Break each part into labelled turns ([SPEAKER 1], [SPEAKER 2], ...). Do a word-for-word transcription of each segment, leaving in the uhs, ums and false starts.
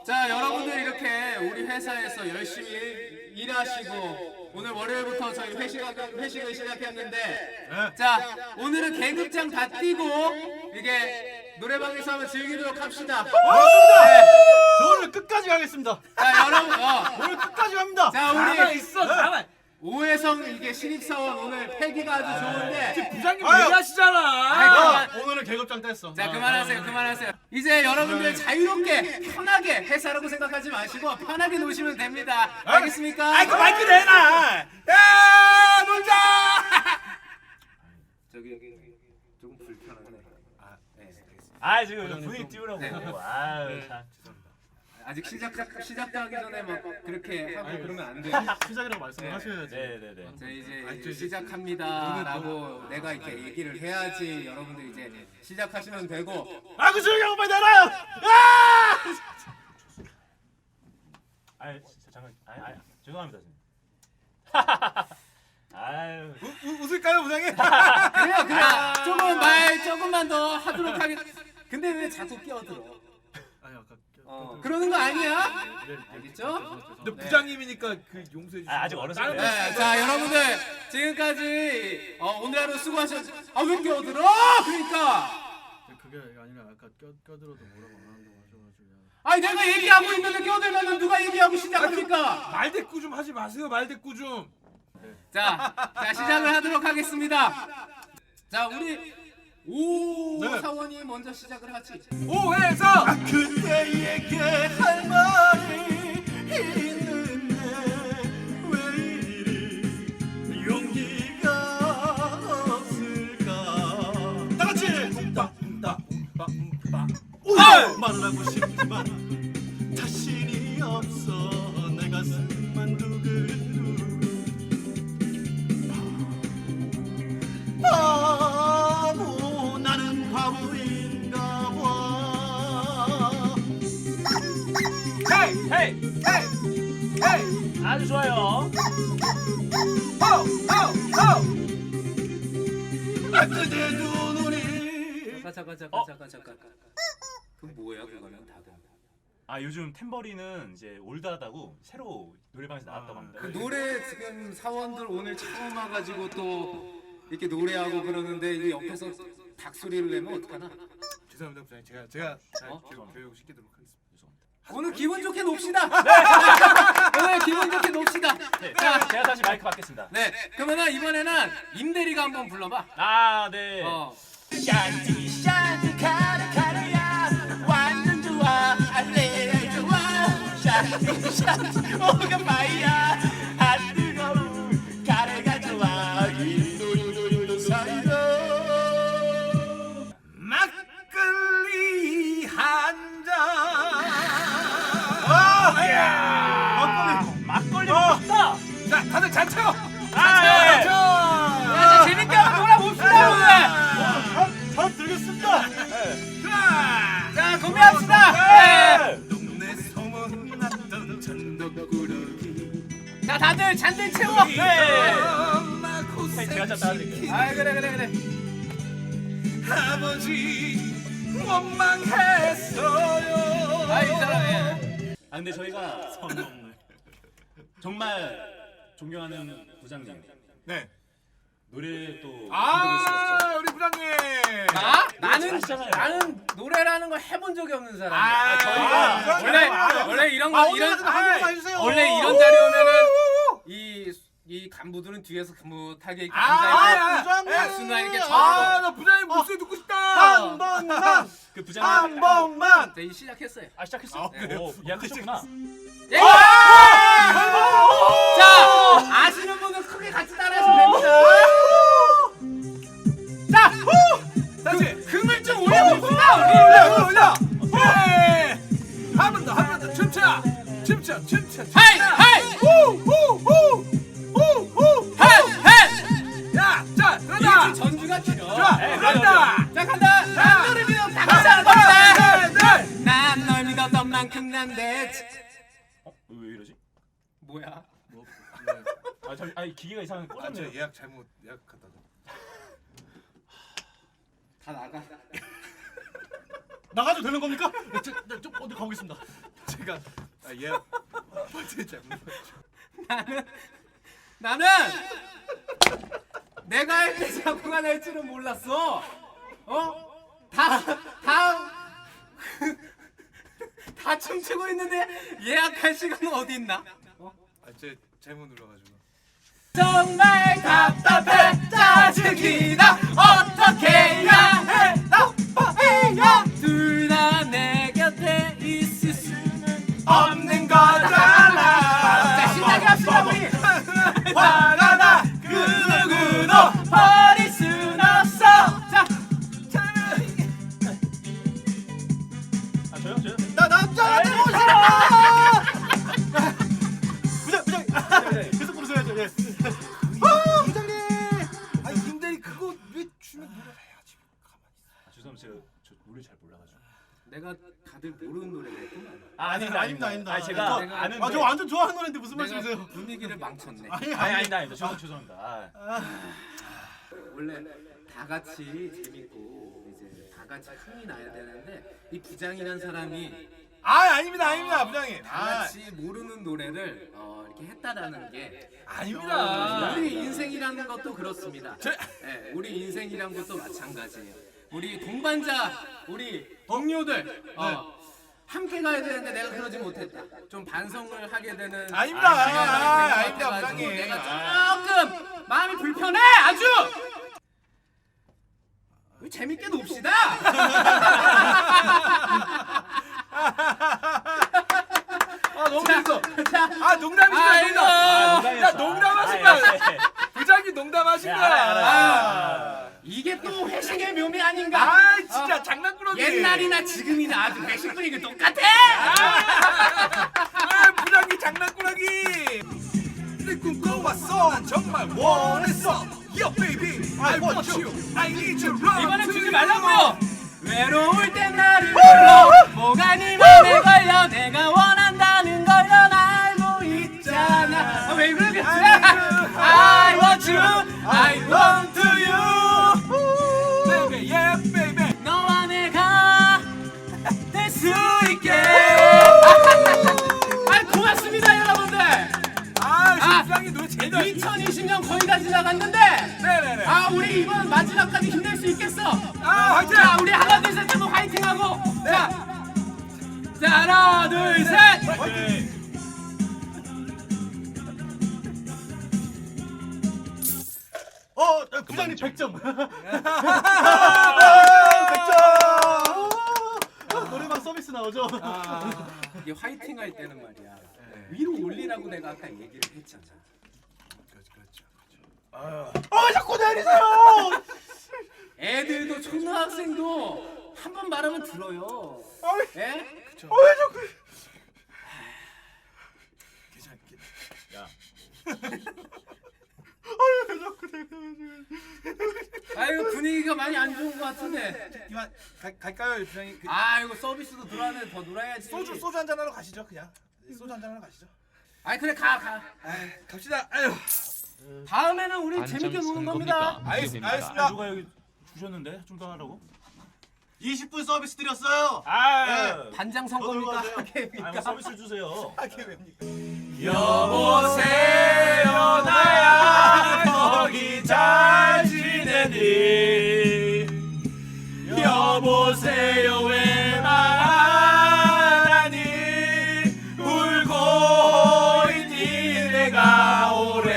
[SPEAKER 1] 자, 여러분들 이렇게 우리 회사에서 열심히 일, 일하시고 오늘 월요일부터 저희 회식, 회식을 시작했는데
[SPEAKER 2] 네.
[SPEAKER 1] 자, 오늘은 계급장 다 뛰고 이게 노래방에서 한번 즐기도록 합시다.
[SPEAKER 2] 좋습니다.
[SPEAKER 1] 네.
[SPEAKER 2] 저 오늘 끝까지 가겠습니다.
[SPEAKER 1] 자, 여러분, 어.
[SPEAKER 2] 오늘 끝까지 갑니다.
[SPEAKER 1] 자,
[SPEAKER 3] 가만
[SPEAKER 1] 우리
[SPEAKER 3] 있어, 가만.
[SPEAKER 1] 오해성 이게 신입사원 오늘 패기가 아주 좋은데
[SPEAKER 3] 부장님
[SPEAKER 2] 아유.
[SPEAKER 3] 얘기하시잖아.
[SPEAKER 1] 아이,
[SPEAKER 2] 아, 오늘은 계급장 뗐어.
[SPEAKER 1] 자,
[SPEAKER 2] 아,
[SPEAKER 1] 그만하세요, 그만하세요. 이제 여러분들 자유롭게 편하게 회사라고 생각하지 마시고 편하게 노시면 됩니다. 알겠습니까?
[SPEAKER 3] 아이 그 마이크 내놔. 야 놀자.
[SPEAKER 1] 저기 여기 조금 불편하네. 아, 네, 알겠습니다.
[SPEAKER 4] 아 지금 분위기 띄우라고.
[SPEAKER 1] 네.
[SPEAKER 4] 아유 참.
[SPEAKER 1] 아직 시작 시작도 하기 전에 막 그렇게 하고
[SPEAKER 2] 아니,
[SPEAKER 1] 그러면 안 돼.
[SPEAKER 2] 시작이라고 말씀을
[SPEAKER 1] 네.
[SPEAKER 2] 하셔야지.
[SPEAKER 4] 네네네.
[SPEAKER 1] 자, 이제
[SPEAKER 2] 아니, 저,
[SPEAKER 1] 시작합니다라고 내가 이렇게 얘기를 해야지 여러분들 이제 시작하시면 되고.
[SPEAKER 2] 아, 그 조용히 하고 빨리 나가요. 아!
[SPEAKER 4] 아유 진짜 잠깐. 아유, 아유 죄송합니다 선생님. 아유.
[SPEAKER 2] 우, 우, 웃을까요, 부장님?
[SPEAKER 1] 그래요, 그래요. 조금 말 조금만 더 하도록 하겠. 근데 왜 자꾸 끼어들어?
[SPEAKER 2] 아니, 아까
[SPEAKER 1] 어, 그러는 거 아니야?
[SPEAKER 2] 네, 네,
[SPEAKER 1] 알겠죠?
[SPEAKER 3] 근데
[SPEAKER 1] 네.
[SPEAKER 3] 부장님이니까 그 용서해 주세요.
[SPEAKER 4] 아, 아직 어렸어요.
[SPEAKER 1] 네, 자 여러분들 지금까지 어, 오늘 하루 수고하셨. 아왜 끼어들어? 그러니까.
[SPEAKER 2] 그게 아니라 아까 껴 껴들어도 뭐라고 안 한다고 하셔가지고.
[SPEAKER 1] 아니 내가 얘기하고 있는데 끼어들면 누가 얘기하고 시작합니까?
[SPEAKER 3] 말대꾸 좀 하지 마세요. 말대꾸 좀.
[SPEAKER 1] 자, 자 시작을 하도록 하겠습니다. 자 우리 오
[SPEAKER 2] 네.
[SPEAKER 1] 사원이 먼저 시작을 하지.
[SPEAKER 3] 오해서.
[SPEAKER 2] 그대에게 할 말이 있는데 왜 이리 용기가 없을까? 다 같이
[SPEAKER 3] 뿜빠뿜빠뿜빠뿜빠.
[SPEAKER 2] 말을 하고 싶지만 자신이 없어 내 가슴만 두근두근 바보 나는 바보인가 봐.
[SPEAKER 3] 헤이 헤이 헤이 헤이.
[SPEAKER 4] 아주 좋아요.
[SPEAKER 3] 호호호.
[SPEAKER 2] 아, 그대 두 눈이
[SPEAKER 1] 잠깐 잠깐 잠깐
[SPEAKER 4] 어?
[SPEAKER 1] 잠깐 잠깐. 그 뭐야 그거는 다들.
[SPEAKER 4] 아 요즘 탬버리는 이제 올드하다고 새로 노래방에서 나왔다고 합니다.
[SPEAKER 1] 그 노래 지금 사원들 오늘 처음 와가지고 또 이렇게 노래하고 그러는데 이 옆에서 닭 소리를 내면 어떡하나?
[SPEAKER 3] 죄송합니다 부장님. 제가 제가 잘
[SPEAKER 1] 어?
[SPEAKER 3] 교육, 교육 시키도록 하겠습니다.
[SPEAKER 1] 오늘 기분 좋게 놉시다. 오늘 기분 좋게 놉시다.
[SPEAKER 4] 네,
[SPEAKER 1] 자,
[SPEAKER 4] 제가 다시 마이크 받겠습니다.
[SPEAKER 1] 네, 그러면은 이번에는 임대리가 한번 불러봐.
[SPEAKER 4] 아 네.
[SPEAKER 1] 어.
[SPEAKER 4] 샨티 샨티 카르 카르야 완전 좋아 알레 좋아 샨티 샨티 오가마이야 아 뜨거운 카레가 좋아 인도인도인도 사이다.
[SPEAKER 3] 막걸리 한 잔.
[SPEAKER 4] 아, 막걸리 먹고 싶다.
[SPEAKER 3] 자, 다들 잘 쳐요.
[SPEAKER 4] 아, 예.
[SPEAKER 3] 자,
[SPEAKER 1] 자, 재밌게 한번 놀아봅시다 오늘.
[SPEAKER 2] 잘 들겠습니다.
[SPEAKER 3] 자,
[SPEAKER 1] 자, 건배합시다. 네.
[SPEAKER 3] 동네 소문 났던 전덕꾸러기.
[SPEAKER 1] 자, 다들 잔들 채워. 네.
[SPEAKER 3] 엄마 고생
[SPEAKER 4] 제가 좀 따라드릴게요.
[SPEAKER 1] 아, 그래, 그래, 그래.
[SPEAKER 3] 아버지 원망했어요.
[SPEAKER 1] 아, 이 사람. 예.
[SPEAKER 4] 아 근데 저희가 정말 존경하는 부장님
[SPEAKER 3] 네.
[SPEAKER 4] 노래 또
[SPEAKER 3] 아, 우리 부장님.
[SPEAKER 1] 나? 나는
[SPEAKER 4] 아시잖아요.
[SPEAKER 1] 나는 노래라는 걸 해본 적이 없는 사람이야.
[SPEAKER 3] 아,
[SPEAKER 1] 저희가
[SPEAKER 3] 부장님.
[SPEAKER 1] 원래
[SPEAKER 3] 아,
[SPEAKER 1] 원래 이런
[SPEAKER 2] 아,
[SPEAKER 1] 거
[SPEAKER 2] 오늘
[SPEAKER 1] 이런
[SPEAKER 2] 한 번만 해주세요.
[SPEAKER 1] 원래 이런 자리 오면은 이 이 간부들은 뒤에서 간무하게 이렇게
[SPEAKER 3] 아,
[SPEAKER 1] 앉아있고
[SPEAKER 3] 아,
[SPEAKER 2] 부장님.
[SPEAKER 1] 박수나 이렇게
[SPEAKER 3] 아,
[SPEAKER 1] 쳐주고.
[SPEAKER 3] 나 부장님 목소리 듣고 싶다.
[SPEAKER 2] 한 번만,
[SPEAKER 4] 그
[SPEAKER 2] 한
[SPEAKER 4] 부장님
[SPEAKER 2] 번만.
[SPEAKER 1] 자, 이제 시작했어요.
[SPEAKER 4] 아 시작했어?
[SPEAKER 3] 아, 그래요?
[SPEAKER 4] 오, 예약하셨구나.
[SPEAKER 1] 예! 자, 아시는 분은 크게 같이 따라하시면 됩니다. 자,
[SPEAKER 3] 다시.
[SPEAKER 1] 금을 좀 올려봅시다. 우리.
[SPEAKER 3] 올려, 올려. 예. 한 번 더, 한 번 더. 춤춰. 춤춰, 춤춰.
[SPEAKER 1] 하이, 하이,
[SPEAKER 3] 후, 후, 후. 후, 후.
[SPEAKER 1] 하이, 하이.
[SPEAKER 3] 야, 자, 들어가.
[SPEAKER 1] 이 전주가 길어.
[SPEAKER 3] 좋아,
[SPEAKER 4] 네,
[SPEAKER 3] 들어간다.
[SPEAKER 1] 자, 간다. 난 너를 믿어. 다 같이 하는 겁니다. 난 널 믿었던 만큼 난데.
[SPEAKER 4] 어? 왜 이러지?
[SPEAKER 1] 뭐야?
[SPEAKER 2] 뭐, 네.
[SPEAKER 4] 아 저, 아니 기계가 이상하게
[SPEAKER 3] 아, 저
[SPEAKER 4] 꽂았네요.
[SPEAKER 3] 예약 잘못 예약했다.
[SPEAKER 1] 다 나가.
[SPEAKER 2] 나가도 되는 겁니까? 저, 저, 저 어디 가보겠습니다.
[SPEAKER 3] 제가 아, 얘 버튼 잘못
[SPEAKER 1] 나는 나는 내가 할 때 자꾸가 날 줄은 몰랐어. 어? 다 다 다 춤추고 있는데 예약할 시간은 어디 있나? 어?
[SPEAKER 3] 아제 잘못 눌러가지고.
[SPEAKER 1] 정말 답답해 짜증이 나 어떻게 해야 해 나빠해야 둘 다 내 곁에 있을 수는 없는 거잖아. 자 신나게 합시다 우리. 화가 나 그 누구도 버릴 순 없어. 자
[SPEAKER 4] 아 저요 저요.
[SPEAKER 3] 나 남자가 되고 싶어. 부장 부장 계속 부르셔야죠. 예. 아 부장님. 아 임대리 그거 왜 주면 노래 해야지. 가만히.
[SPEAKER 4] 아, 죄송합니다. 제가 저 노래 잘 몰라가지고.
[SPEAKER 1] 내가 다들 모르는 노래를 했구만.
[SPEAKER 4] 아 아닙니다
[SPEAKER 3] 아닙니다, 아닙니다.
[SPEAKER 4] 아니 제가
[SPEAKER 1] 내가-
[SPEAKER 4] 아는데.
[SPEAKER 3] 아저 완전 좋아하는 노래인데 무슨
[SPEAKER 1] 내가
[SPEAKER 3] 말씀이세요?
[SPEAKER 1] 분위기를 망쳤네.
[SPEAKER 3] 아니
[SPEAKER 4] 아니 아니다 아니다. 죄송 죄송합니다. 아.
[SPEAKER 1] 원래 다 같이 재밌고 이제 다 같이 흥이 나야 되는데 이 부장이란 사람이
[SPEAKER 3] 아 아닙니다 아닙니다 부장님.
[SPEAKER 1] 다
[SPEAKER 3] 아
[SPEAKER 1] 같이 모르는 노래를 어, 이렇게 했다라는 게
[SPEAKER 3] 아닙니다.
[SPEAKER 1] 우리 인생이라는 것도 그렇습니다.
[SPEAKER 3] 제-
[SPEAKER 1] 네, 우리 인생이란 것도 마찬가지예요. 우리 동반자, 우리 동료들 어, 함께 가야 되는데 내가 그러지 못했다. 좀 반성을 하게 되는
[SPEAKER 3] 아닙니다.
[SPEAKER 1] 아, 시간이
[SPEAKER 3] 아,
[SPEAKER 1] 된것
[SPEAKER 3] 아닙니다,
[SPEAKER 1] 같아가지고
[SPEAKER 3] 부장님.
[SPEAKER 1] 내가 조금 마음이 불편해 아주. 우리 재밌게 놉시다.
[SPEAKER 3] 아 너무 재밌어.
[SPEAKER 1] 자,
[SPEAKER 3] 아 농담이시죠
[SPEAKER 1] 아이고.
[SPEAKER 3] 농담.
[SPEAKER 4] 아,
[SPEAKER 3] 야 농담하신
[SPEAKER 4] 아,
[SPEAKER 3] 거야.
[SPEAKER 4] 예, 예.
[SPEAKER 3] 부장님 농담하신
[SPEAKER 4] 네,
[SPEAKER 3] 거야.
[SPEAKER 4] 알아요, 알아요.
[SPEAKER 3] 아,
[SPEAKER 1] 이게 또 회식의 묘미 아닌가?
[SPEAKER 3] 아 진짜 장난꾸러기.
[SPEAKER 1] 옛날이나 지금이나 아주 회식 분위기 똑같아.
[SPEAKER 3] 아 부장님 장난꾸러기. 내 꿈꿔왔어. 난 정말 원했어. Yo baby, I want you. I need you. Love
[SPEAKER 1] 이번엔
[SPEAKER 3] to
[SPEAKER 1] 주지
[SPEAKER 3] you.
[SPEAKER 1] 말라고요. 외로울 땐 나를 불러. 뭐가 네 맘에 걸려. 내가 원한다는 걸 넌 알고 있잖아. 아, 왜 그러겠지? I want you. I want you.
[SPEAKER 3] Baby, yeah baby.
[SPEAKER 1] 너와 내가 될 수 있게. 아, 고맙습니다 여러분들.
[SPEAKER 3] 아
[SPEAKER 1] 아,
[SPEAKER 3] 부장님 노래 제일 잘.
[SPEAKER 1] 이천이십 년 거의 다 지나갔는데
[SPEAKER 3] 네네네.
[SPEAKER 1] 아 우리 이번 마지막까지 힘낼 수 있겠어.
[SPEAKER 3] 아 화이팅.
[SPEAKER 1] 자 우리 하나 둘 셋 한번 화이팅하고 자, 자 하나 둘 셋.
[SPEAKER 3] 화이팅. 어 부장님 백 점. 백 점. 노래방 서비스 나오죠.
[SPEAKER 1] 아, 이게 화이팅 할 때는 말이야 위로 올리라고 내가 아까 얘기를 했잖아.
[SPEAKER 3] 그렇죠 그렇죠.
[SPEAKER 1] 어 자꾸 내리세요. 애들도 초등학생도 한 번 말하면 들어요. 예?
[SPEAKER 3] 그렇죠.
[SPEAKER 1] 왜 자꾸?
[SPEAKER 3] 괜찮.
[SPEAKER 4] 야.
[SPEAKER 1] 아이고 분위기가 많이 안 좋은 것 같은데.
[SPEAKER 3] 이만 가, 갈까요 부장님? 그,
[SPEAKER 1] 아이고 서비스도 들어왔는데 더 놀아야지.
[SPEAKER 3] 소주 소주 한잔 하러 가시죠 그냥. 소주 한잔 하러 가시죠.
[SPEAKER 1] 아이 그래 가 가.
[SPEAKER 3] 아 갑시다. 아유.
[SPEAKER 1] 다음에는 우리 재밌게 노는 겁니다.
[SPEAKER 3] 알겠,
[SPEAKER 4] 아
[SPEAKER 3] 알겠습니다.
[SPEAKER 4] 누가 여기 주셨는데 좀 더 하라고?
[SPEAKER 3] 이십 분 서비스 드렸어요.
[SPEAKER 4] 아.
[SPEAKER 1] 반장 선거입니까?
[SPEAKER 3] 더 들어가세요.
[SPEAKER 1] 하계입니까?
[SPEAKER 4] 아뭐 서비스 주세요.
[SPEAKER 3] 하게 됩니까?
[SPEAKER 1] 여보세요 나야 거기 잘 지내니 여보세요 왜 말하니 울고 있니 내가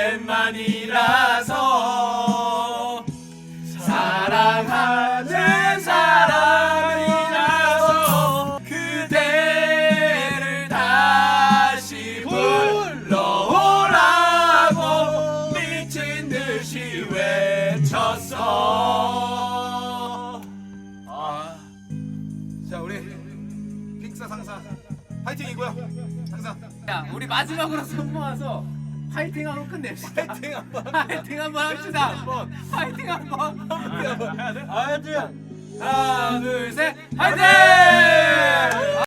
[SPEAKER 1] 오랜만이라서 사랑하는 사람이라서 그대를 다시 불러오라고 미친 듯이 외쳤어.
[SPEAKER 3] 아. 자 우리 픽사 상사 파이팅이고요. 항상
[SPEAKER 1] 야 우리 마지막으로 손 모아서 파이팅하고 끝냅시다.
[SPEAKER 3] 파이팅 한번.
[SPEAKER 1] 파이팅 한번 합시다. 파이팅 한번.
[SPEAKER 3] 해야 돼?
[SPEAKER 1] 하나 둘 셋 파이팅!